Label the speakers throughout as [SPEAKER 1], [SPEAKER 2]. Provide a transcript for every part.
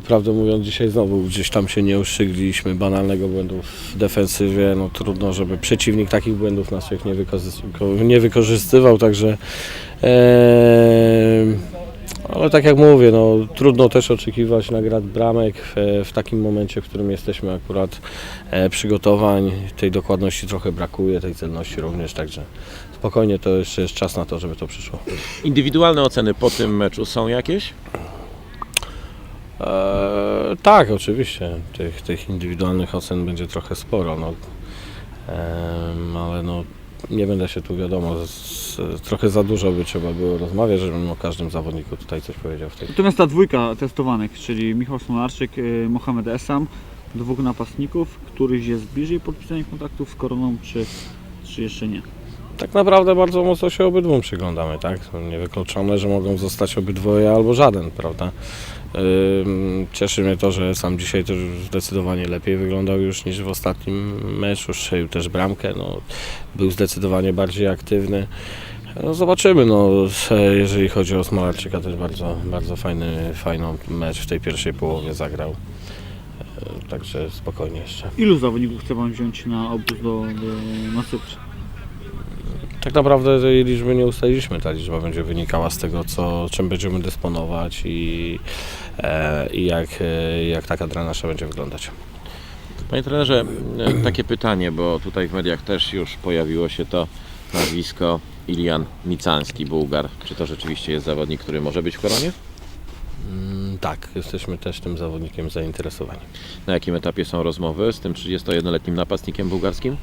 [SPEAKER 1] prawdę mówiąc, dzisiaj znowu gdzieś tam się nie uszczygliśmy banalnego błędu w defensywie. No trudno, żeby przeciwnik takich błędów naszych nie wykorzystywał, także ale tak jak mówię, no, trudno też oczekiwać nagród bramek w takim momencie, w którym jesteśmy akurat przygotowań. Tej dokładności trochę brakuje, tej celności również, także spokojnie, to jeszcze jest czas na to, żeby to przyszło.
[SPEAKER 2] Indywidualne oceny po tym meczu są jakieś?
[SPEAKER 1] Tak, oczywiście. Tych indywidualnych ocen będzie trochę sporo, no. Ale no, nie będę się tu, wiadomo, trochę za dużo by trzeba było rozmawiać, żebym o każdym zawodniku tutaj coś powiedział w tej.
[SPEAKER 3] Natomiast ta dwójka testowanych, czyli Michał Smolarczyk, Mohamed Essam, dwóch napastników, któryś jest bliżej podpisania kontaktów z Koroną, czy jeszcze nie?
[SPEAKER 1] Tak naprawdę bardzo mocno się obydwu przyglądamy, tak? Niewykluczone, że mogą zostać obydwoje albo żaden, prawda? Cieszy mnie to, że sam dzisiaj też zdecydowanie lepiej wyglądał już niż w ostatnim meczu, strzelił też bramkę, no, był zdecydowanie bardziej aktywny. No, zobaczymy, no, jeżeli chodzi o Smolarczyka, też bardzo fajny mecz w tej pierwszej połowie zagrał. Także spokojnie jeszcze.
[SPEAKER 3] Ilu zawodników chce Pan wziąć na obóz na Cyprze?
[SPEAKER 1] Tak naprawdę tej liczby nie ustaliliśmy, ta liczba będzie wynikała z tego, czym będziemy dysponować i jak ta kadra nasza będzie wyglądać.
[SPEAKER 2] Panie trenerze, takie pytanie, bo tutaj w mediach też już pojawiło się to nazwisko Ilian Micanski, Bułgar. Czy to rzeczywiście jest zawodnik, który może być w Koronie?
[SPEAKER 1] Tak, jesteśmy też tym zawodnikiem zainteresowani.
[SPEAKER 2] Na jakim etapie są rozmowy z tym 31-letnim napastnikiem bułgarskim?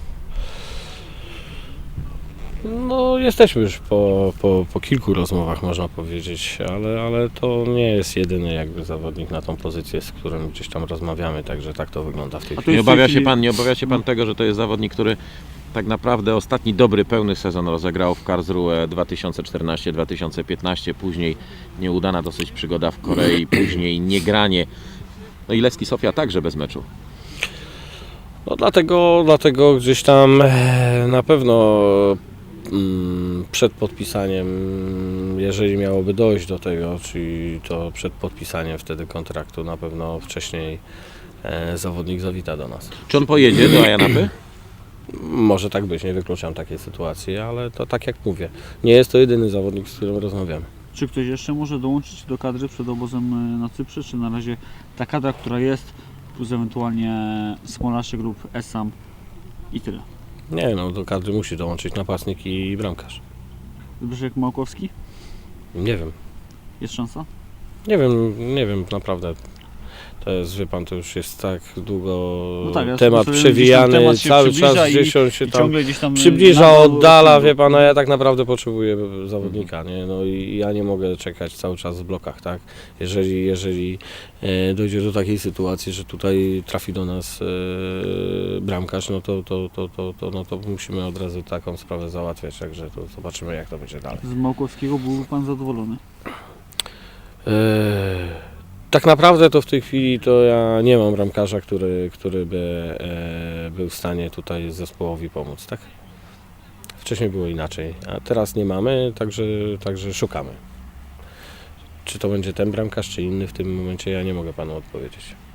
[SPEAKER 1] No, jesteśmy już po kilku rozmowach, można powiedzieć, ale to nie jest jedyny jakby zawodnik na tą pozycję, z którym gdzieś tam rozmawiamy, także tak to wygląda w tej chwili.
[SPEAKER 2] Nie obawia się pan tego, że to jest zawodnik, który tak naprawdę ostatni dobry, pełny sezon rozegrał w Karlsruhe 2014-2015, później nieudana dosyć przygoda w Korei, później niegranie. No i Levski Sofia także bez meczu.
[SPEAKER 1] No dlatego gdzieś tam na pewno przed podpisaniem, jeżeli miałoby dojść do tego, czyli to przed podpisaniem wtedy kontraktu, na pewno wcześniej zawodnik zawita do nas.
[SPEAKER 2] Czy on pojedzie do Ayanapy?
[SPEAKER 1] Może tak być, nie wykluczam takiej sytuacji, ale to tak jak mówię, nie jest to jedyny zawodnik, z którym rozmawiamy.
[SPEAKER 3] Czy ktoś jeszcze może dołączyć do kadry przed obozem na Cyprze, czy na razie ta kadra, która jest, plus ewentualnie Smolarczyk lub Essam i tyle?
[SPEAKER 1] Nie, no do kadry musi dołączyć napastnik i bramkarz.
[SPEAKER 3] Zbyszek Małkowski?
[SPEAKER 1] Nie wiem.
[SPEAKER 3] Jest szansa?
[SPEAKER 1] Nie wiem, naprawdę. To jest, wie pan, to już jest tak długo
[SPEAKER 3] No tak, ja
[SPEAKER 1] temat
[SPEAKER 3] sobie
[SPEAKER 1] przewijany,
[SPEAKER 3] temat się
[SPEAKER 1] cały
[SPEAKER 3] przybliża
[SPEAKER 1] czas
[SPEAKER 3] i
[SPEAKER 1] gdzieś on się tam
[SPEAKER 3] ciągle gdzieś tam
[SPEAKER 1] przybliża, oddala, wie pan, a ja tak naprawdę potrzebuję zawodnika, nie? No i ja nie mogę czekać cały czas w blokach, tak? Jeżeli dojdzie do takiej sytuacji, że tutaj trafi do nas bramkarz, no to musimy od razu taką sprawę załatwiać, także to zobaczymy, jak to będzie dalej.
[SPEAKER 3] Z Małkowskiego byłby Pan zadowolony?
[SPEAKER 1] Tak naprawdę to w tej chwili to ja nie mam bramkarza, który by był w stanie tutaj zespołowi pomóc, tak? Wcześniej było inaczej, a teraz nie mamy, także szukamy. Czy to będzie ten bramkarz, czy inny w tym momencie, ja nie mogę panu odpowiedzieć.